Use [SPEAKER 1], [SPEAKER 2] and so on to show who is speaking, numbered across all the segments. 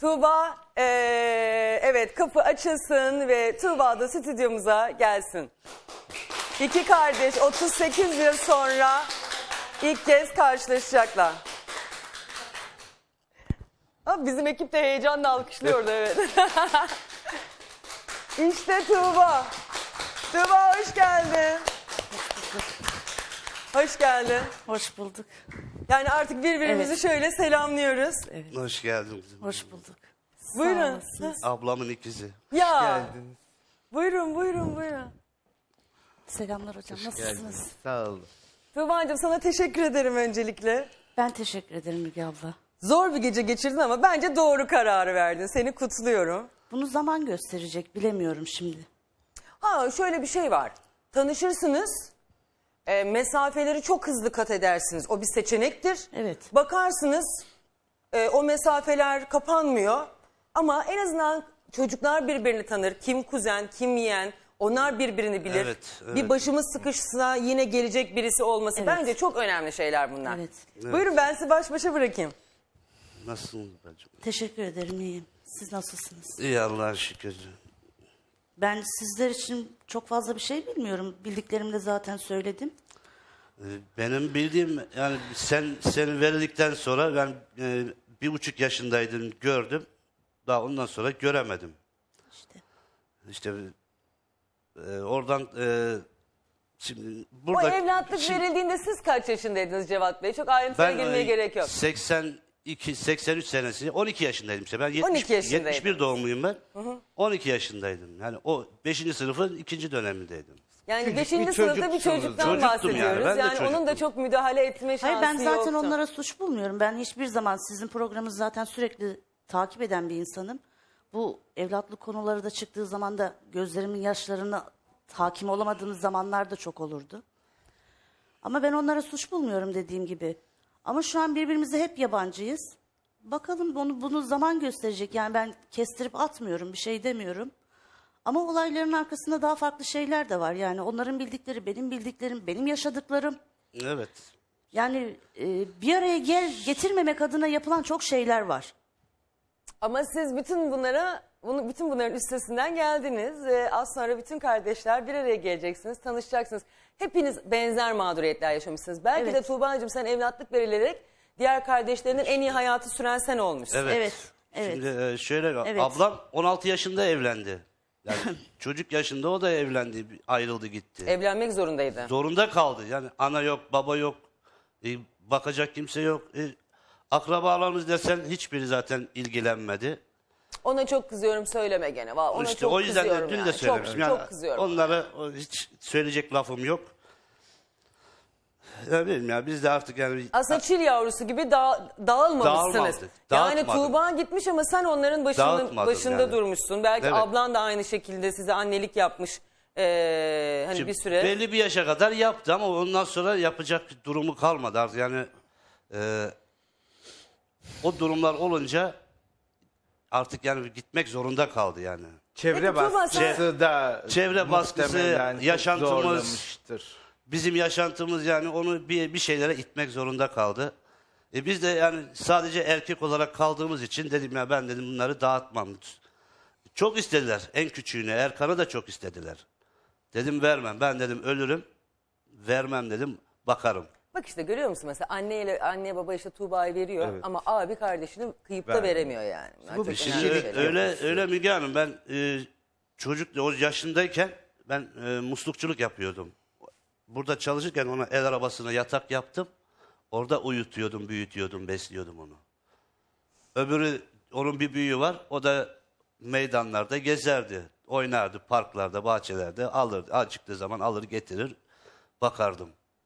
[SPEAKER 1] Tuğba, evet kapı açılsın ve Tuğba da stüdyomuza gelsin. İki kardeş 38 yıl sonra ilk kez karşılaşacaklar. Ha, bizim ekip de heyecanla alkışlıyordu, evet. İşte Tuğba. Tuğba hoş geldin. Hoş geldin.
[SPEAKER 2] Hoş bulduk.
[SPEAKER 1] Yani artık birbirimizi
[SPEAKER 2] Evet.
[SPEAKER 1] şöyle selamlıyoruz.
[SPEAKER 2] Evet.
[SPEAKER 3] Hoş geldin kızım.
[SPEAKER 2] Hoş bulduk.
[SPEAKER 1] Buyurun.
[SPEAKER 2] Sağ olasınız.
[SPEAKER 3] Ablamın ikizi.
[SPEAKER 1] Ya. Buyurun, buyurun, buyurun.
[SPEAKER 2] Selamlar hocam. Nasılsınız?
[SPEAKER 3] Sağ olun.
[SPEAKER 1] Tuğba'cığım sana teşekkür ederim öncelikle.
[SPEAKER 2] Ben teşekkür ederim Müge abla.
[SPEAKER 1] Zor bir gece geçirdin ama bence doğru kararı verdin. Seni kutluyorum.
[SPEAKER 2] Bunu zaman gösterecek. Bilemiyorum şimdi.
[SPEAKER 1] Ha, şöyle bir şey var. Tanışırsınız, mesafeleri çok hızlı kat edersiniz. O bir seçenektir.
[SPEAKER 2] Evet.
[SPEAKER 1] Bakarsınız, o mesafeler kapanmıyor. Ama en azından çocuklar birbirini tanır. Kim kuzen, kim yeğen. Onlar birbirini bilir.
[SPEAKER 3] Evet, evet.
[SPEAKER 1] Bir başımız sıkışsa yine gelecek birisi olması.
[SPEAKER 2] Evet.
[SPEAKER 1] Bence çok önemli şeyler bunlar.
[SPEAKER 2] Evet.
[SPEAKER 1] Buyurun, ben sizi baş başa bırakayım.
[SPEAKER 3] Nasılsınız bacım?
[SPEAKER 2] Teşekkür ederim. İyiyim. Siz nasılsınız?
[SPEAKER 3] İyi Allah'a şükür.
[SPEAKER 2] Ben sizler için çok fazla bir şey bilmiyorum. Bildiklerimi de zaten söyledim.
[SPEAKER 3] Benim bildiğim yani seni verildikten sonra ben 1,5 yaşındaydım, gördüm. Daha ondan sonra göremedim. İşte oradan şimdi
[SPEAKER 1] O
[SPEAKER 3] burada
[SPEAKER 1] evlatlık verildiğinde siz kaç yaşındaydınız Cevat Bey? Çok ayrıntıya
[SPEAKER 3] ben
[SPEAKER 1] girmeye gerek yok.
[SPEAKER 3] 83 senesi 12 yaşındaydım işte. Ben
[SPEAKER 1] 12 yaşındaydın.
[SPEAKER 3] 71 doğumluyum ben. 12 yaşındaydım. Yani o 5. sınıfın 2. dönemindeydim.
[SPEAKER 1] Yani 5.
[SPEAKER 4] bir
[SPEAKER 1] sınıfta bir
[SPEAKER 4] çocuksunuz.
[SPEAKER 1] çocuktan
[SPEAKER 3] Çocuktum
[SPEAKER 1] bahsediyoruz.
[SPEAKER 3] yani, ben de
[SPEAKER 1] onun da
[SPEAKER 3] çocuktum.
[SPEAKER 1] çok müdahale etme şansı
[SPEAKER 2] Hayır, ben zaten
[SPEAKER 1] yoktu.
[SPEAKER 2] onlara suç bulmuyorum. Ben hiçbir zaman sizin programınızı zaten sürekli takip eden bir insanım. Bu evlatlık konuları da çıktığı zaman da gözlerimin yaşlarına hakim olamadığımız zamanlar da çok olurdu. Ama ben onlara suç bulmuyorum dediğim gibi. Ama şu an birbirimize hep yabancıyız. Bakalım bunu zaman gösterecek. Yani ben kestirip atmıyorum, bir şey demiyorum. Ama olayların arkasında daha farklı şeyler de var. Yani onların bildikleri, benim bildiklerim, benim yaşadıklarım.
[SPEAKER 3] Evet.
[SPEAKER 2] Yani bir araya getirmemek adına yapılan çok şeyler var.
[SPEAKER 1] Ama siz bütün bunların üstesinden geldiniz. Az sonra bütün kardeşler bir araya geleceksiniz, tanışacaksınız. Hepiniz benzer mağduriyetler yaşamışsınız. Belki
[SPEAKER 2] Evet.
[SPEAKER 1] de Tuğba'cığım sen evlatlık verilerek diğer kardeşlerinin en iyi hayatı süren sen olmuşsun.
[SPEAKER 3] Evet.
[SPEAKER 2] Evet, evet.
[SPEAKER 3] Şimdi şöyle
[SPEAKER 2] Evet.
[SPEAKER 3] ablam 16 yaşında evlendi. Yani çocuk yaşında o da evlendi, ayrıldı gitti.
[SPEAKER 1] Evlenmek zorundaydı.
[SPEAKER 3] Zorunda kaldı. Yani ana yok, baba yok, bakacak kimse yok. Akrabalarımız desen hiçbiri zaten ilgilenmedi.
[SPEAKER 1] Ona çok kızıyorum, söyleme gene. Ona
[SPEAKER 3] İşte
[SPEAKER 1] çok
[SPEAKER 3] o yüzden de
[SPEAKER 1] kızıyorum
[SPEAKER 3] dün
[SPEAKER 1] yani.
[SPEAKER 3] de söylemiştim. Yani
[SPEAKER 1] Çok kızıyorum.
[SPEAKER 3] onlara hiç söyleyecek lafım yok. Ne bileyim ya, biz de artık yani
[SPEAKER 1] Aslında çil yavrusu gibi dağılmamışsınız.
[SPEAKER 3] Dağılmadık,
[SPEAKER 1] Yani
[SPEAKER 3] dağıtmadım.
[SPEAKER 1] Tuğba gitmiş ama sen onların
[SPEAKER 3] Dağıtmadım
[SPEAKER 1] başında
[SPEAKER 3] yani.
[SPEAKER 1] durmuşsun. Belki
[SPEAKER 3] Evet.
[SPEAKER 1] ablan da aynı şekilde size annelik yapmış. Hani
[SPEAKER 3] Şimdi
[SPEAKER 1] bir süre.
[SPEAKER 3] belli bir yaşa kadar yaptı ama ondan sonra yapacak durumu kalmadı artık. Yani o durumlar olunca artık yani gitmek zorunda kaldı yani.
[SPEAKER 4] Çevre
[SPEAKER 1] Peki, Tuğba,
[SPEAKER 4] baskısı da
[SPEAKER 3] Çevre baskısı,
[SPEAKER 4] muhtemelen çok
[SPEAKER 3] yaşantımız-
[SPEAKER 4] zorlamıştır.
[SPEAKER 3] Bizim yaşantımız yani onu bir şeylere itmek zorunda kaldı. Biz de yani sadece erkek olarak kaldığımız için dedim ya, ben dedim bunları dağıtmam. Çok istediler, en küçüğünü Erkan'ı da çok istediler. Dedim vermem, ben dedim ölürüm, vermem dedim, bakarım.
[SPEAKER 1] Bak işte görüyor musun mesela anne baba işte Tuğba'yı veriyor ama abi kardeşini kıyıp da veremiyor yani.
[SPEAKER 4] Bu bir
[SPEAKER 1] Çok
[SPEAKER 4] şey.
[SPEAKER 1] önemli
[SPEAKER 3] Şimdi
[SPEAKER 1] şeyler.
[SPEAKER 3] öyle Müge Hanım, ben çocuk o yaşındayken ben muslukçuluk yapıyordum. Burada çalışırken ona el arabasına yatak yaptım. Orada uyutuyordum, büyütüyordum, besliyordum onu. Öbürü, onun bir büyüğü var. O da meydanlarda gezerdi. Oynardı, parklarda, bahçelerde. Alırdı, acıktığı zaman alır getirir, bakardım.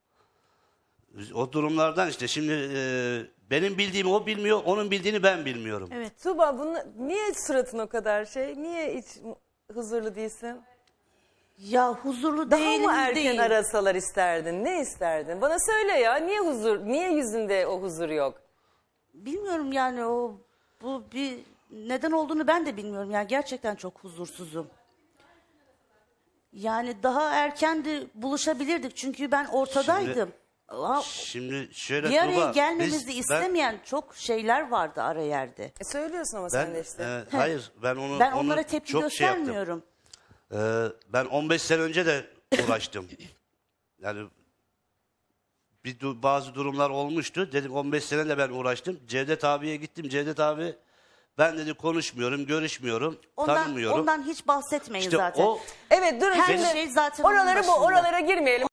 [SPEAKER 3] O durumlardan işte şimdi benim bildiğimi o bilmiyor, onun bildiğini ben bilmiyorum.
[SPEAKER 2] Evet.
[SPEAKER 1] Tuğba niye suratın o kadar şey? Niye hiç huzurlu değilsin?
[SPEAKER 2] Ya huzurlu
[SPEAKER 1] Daha
[SPEAKER 2] değilim
[SPEAKER 1] mı erken
[SPEAKER 2] değil.
[SPEAKER 1] arasalar isterdin? Ne isterdin? Bana söyle ya. Niye yüzünde o huzur yok?
[SPEAKER 2] Bilmiyorum yani bu bir neden olduğunu ben de bilmiyorum. Yani gerçekten çok huzursuzum. Yani daha erken de buluşabilirdik çünkü ben ortadaydım. Ama
[SPEAKER 3] Şimdi şöyle
[SPEAKER 2] bir araya
[SPEAKER 3] Tuğba,
[SPEAKER 2] gelmemizi
[SPEAKER 3] ben-
[SPEAKER 2] istemeyen çok şeyler vardı ara yerde.
[SPEAKER 1] Söylüyorsun ama
[SPEAKER 3] Ben,
[SPEAKER 1] sen de işte.
[SPEAKER 3] hayır ben onu
[SPEAKER 2] Ben
[SPEAKER 3] onu
[SPEAKER 2] onlara tepki
[SPEAKER 3] çok şey yaptım.
[SPEAKER 2] göstermiyorum.
[SPEAKER 3] Ben 15 sene önce de uğraştım. Yani bazı durumlar olmuştu. Dedim 15 sene de ben uğraştım. Cevdet abiye gittim. Cevdet abi ben dedi konuşmuyorum, görüşmüyorum, tanımıyorum.
[SPEAKER 2] Ondan hiç bahsetmeyin
[SPEAKER 3] İşte
[SPEAKER 2] zaten.
[SPEAKER 3] o
[SPEAKER 1] Evet durun
[SPEAKER 2] Her
[SPEAKER 1] şimdi
[SPEAKER 2] şey zaten onun
[SPEAKER 1] oralara
[SPEAKER 2] başında.
[SPEAKER 1] oralara girmeyelim.